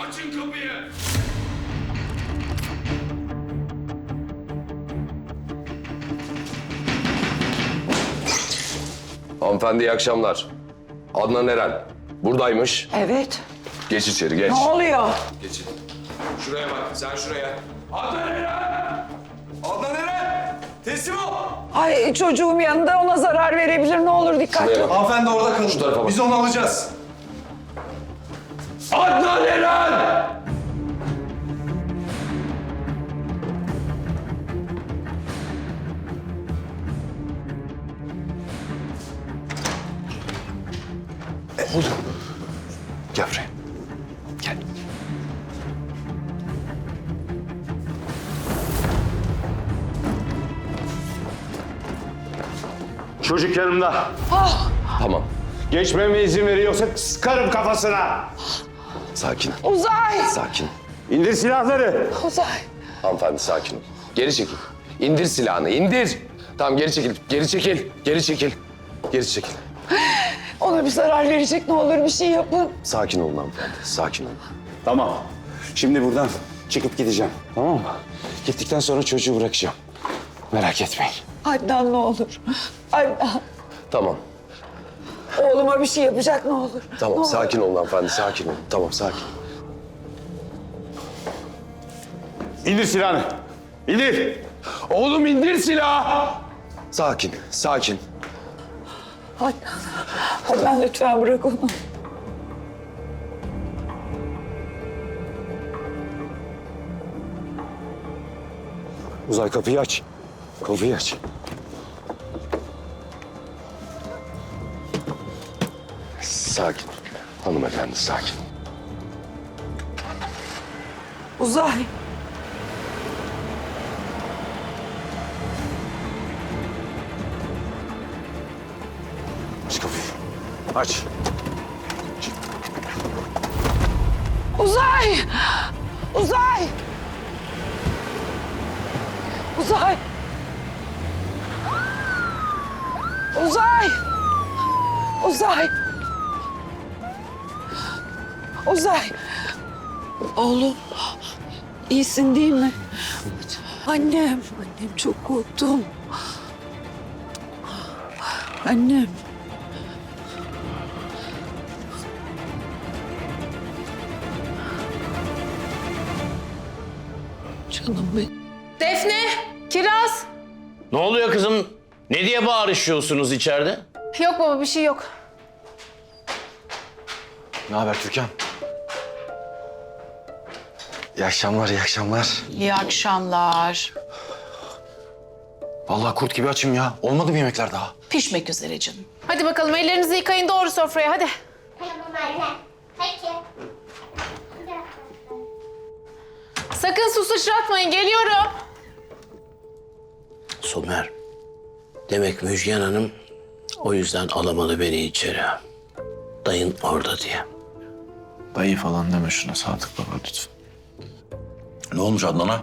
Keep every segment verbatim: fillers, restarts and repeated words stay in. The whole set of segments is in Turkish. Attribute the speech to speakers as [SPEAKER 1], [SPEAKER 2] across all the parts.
[SPEAKER 1] Açın kapıyı!
[SPEAKER 2] Hanımefendi iyi akşamlar. Adnan Eren. Buradaymış.
[SPEAKER 3] Evet.
[SPEAKER 2] Geç içeri geç.
[SPEAKER 3] Ne oluyor?
[SPEAKER 2] Geç. Şuraya bak sen şuraya. Adnan Eren! Adnan Eren! Teslim ol!
[SPEAKER 3] Ay çocuğum yanında ona zarar verebilir. Ne olur dikkatli
[SPEAKER 2] Şuraya
[SPEAKER 3] ol.
[SPEAKER 2] bak.
[SPEAKER 4] Hanımefendi orada kalın.
[SPEAKER 2] Şu tarafa bak.
[SPEAKER 4] Biz onu alacağız.
[SPEAKER 2] Adnan Eren!
[SPEAKER 4] Oldu. Gel buraya. Gel.
[SPEAKER 5] Çocuk yanımda.
[SPEAKER 2] Tamam.
[SPEAKER 5] Geçmeme izin veriyorsa sıkarım kafasına.
[SPEAKER 2] Sakin.
[SPEAKER 3] Uzay!
[SPEAKER 2] Sakin.
[SPEAKER 5] İndir silahları.
[SPEAKER 3] Uzay!
[SPEAKER 2] Hanımefendi sakin ol. Geri çekil. İndir silahını indir. Tamam geri çekil. Geri çekil. Geri çekil. Geri çekil.
[SPEAKER 3] Ona bir zarar verecek, ne olur bir şey yapın.
[SPEAKER 2] Sakin olun hanımefendi. Sakin olun.
[SPEAKER 5] Tamam. Şimdi buradan çıkıp gideceğim. Tamam mı? Gittikten sonra çocuğu bırakacağım. Merak etmeyin.
[SPEAKER 3] Adnan ne olur. Adnan.
[SPEAKER 2] Tamam.
[SPEAKER 3] Oğluma bir şey yapacak ne olur.
[SPEAKER 2] Tamam
[SPEAKER 3] Ne olur.
[SPEAKER 2] sakin olun hanımefendi. Sakin olun. Tamam sakin.
[SPEAKER 5] İndir silahını. İndir.
[SPEAKER 2] Oğlum indir silahı. Sakin. Sakin.
[SPEAKER 3] Adnan. Adnan lütfen bırak onu.
[SPEAKER 5] Uzay kapıyı aç. Kapıyı aç.
[SPEAKER 2] Sakin. Hanımefendi sakin.
[SPEAKER 3] Uzay.
[SPEAKER 5] Aç kapıyı. Aç.
[SPEAKER 3] Uzay! Uzay! Uzay! Uzay! Uzay! Uzay! Oğlum, iyisin değil mi? Annem, annem çok korktum. Annem. Canım benim.
[SPEAKER 6] Defne, Kiraz.
[SPEAKER 7] Ne oluyor kızım? Ne diye bağırışıyorsunuz içeride?
[SPEAKER 6] Yok baba bir şey yok.
[SPEAKER 4] Ne haber Türkan? İyi akşamlar, iyi akşamlar.
[SPEAKER 6] İyi akşamlar.
[SPEAKER 4] Vallahi kurt gibi açım ya. Olmadı mı yemekler daha?
[SPEAKER 6] Pişmek üzere canım. Hadi bakalım ellerinizi yıkayın doğru sofraya hadi.
[SPEAKER 8] Tamam anne. Peki.
[SPEAKER 6] Sakın su sıçratmayın geliyorum.
[SPEAKER 7] Somer. Demek Müjgan Hanım o yüzden alamadı beni içeri. Dayın orada diye.
[SPEAKER 4] Dayı falan deme şuna Sadık Baba lütfen.
[SPEAKER 7] Ne olmuş Adnan'a?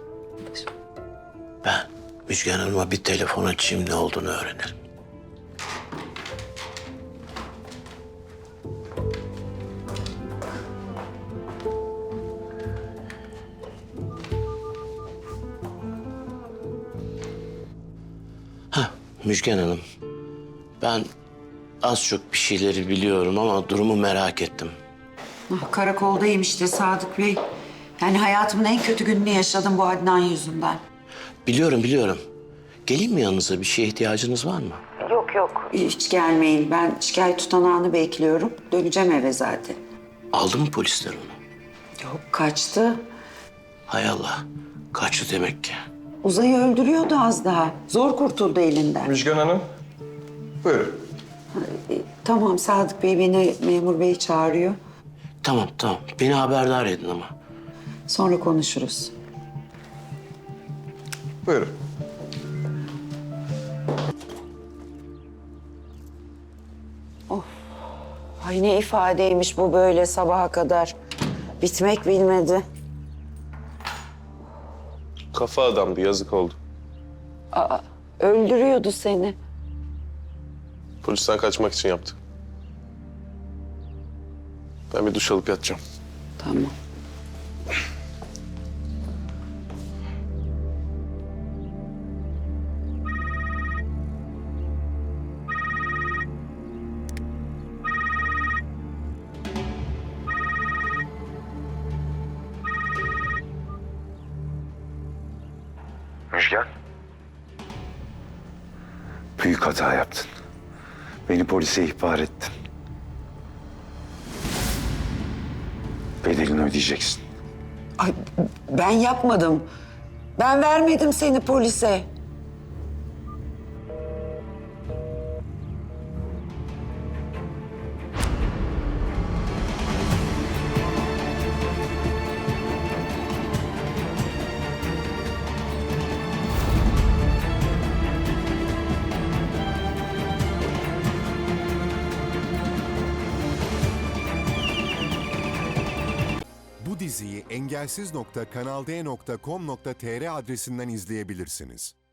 [SPEAKER 7] Ben Müjgan Hanım'a bir telefon açayım ne olduğunu öğrenirim. Hah, Müjgan Hanım. Ben az çok bir şeyleri biliyorum ama durumu merak ettim.
[SPEAKER 3] Ah, karakoldayım işte Sadık Bey. Yani hayatımın en kötü gününü yaşadım bu Adnan yüzünden.
[SPEAKER 7] Biliyorum, biliyorum. Geleyim mi yanınıza? Bir şeye ihtiyacınız var mı?
[SPEAKER 3] Yok yok. Hiç gelmeyin. Ben şikayet tutanağını bekliyorum. Döneceğim eve zaten.
[SPEAKER 7] Aldı mı polisler onu?
[SPEAKER 3] Yok kaçtı.
[SPEAKER 7] Hay Allah. Kaçtı demek ki.
[SPEAKER 3] Uzay'ı öldürüyordu az daha. Zor kurtuldu elinden.
[SPEAKER 2] Müjgan Hanım. Buyurun.
[SPEAKER 3] E, tamam Sadık Bey beni memur bey çağırıyor.
[SPEAKER 7] Tamam, tamam. Beni haberdar edin ama.
[SPEAKER 3] Sonra konuşuruz.
[SPEAKER 2] Buyurun.
[SPEAKER 3] Ay ne ifadeymiş bu böyle sabaha kadar. Bitmek bilmedi.
[SPEAKER 2] Kafa adamdı yazık oldu.
[SPEAKER 3] Öldürüyordu seni.
[SPEAKER 9] Polisten kaçmak için yaptı. Ben bir duş alıp yatacağım.
[SPEAKER 3] Tamam.
[SPEAKER 5] Müjgan. Büyük hata yaptın. Beni polise ihbar ettin. Bedelini ödeyeceksin.
[SPEAKER 3] Ay, ben yapmadım. Ben vermedim seni polise.
[SPEAKER 1] Bu diziyi engelsiz nokta kanal d nokta com nokta tr adresinden izleyebilirsiniz.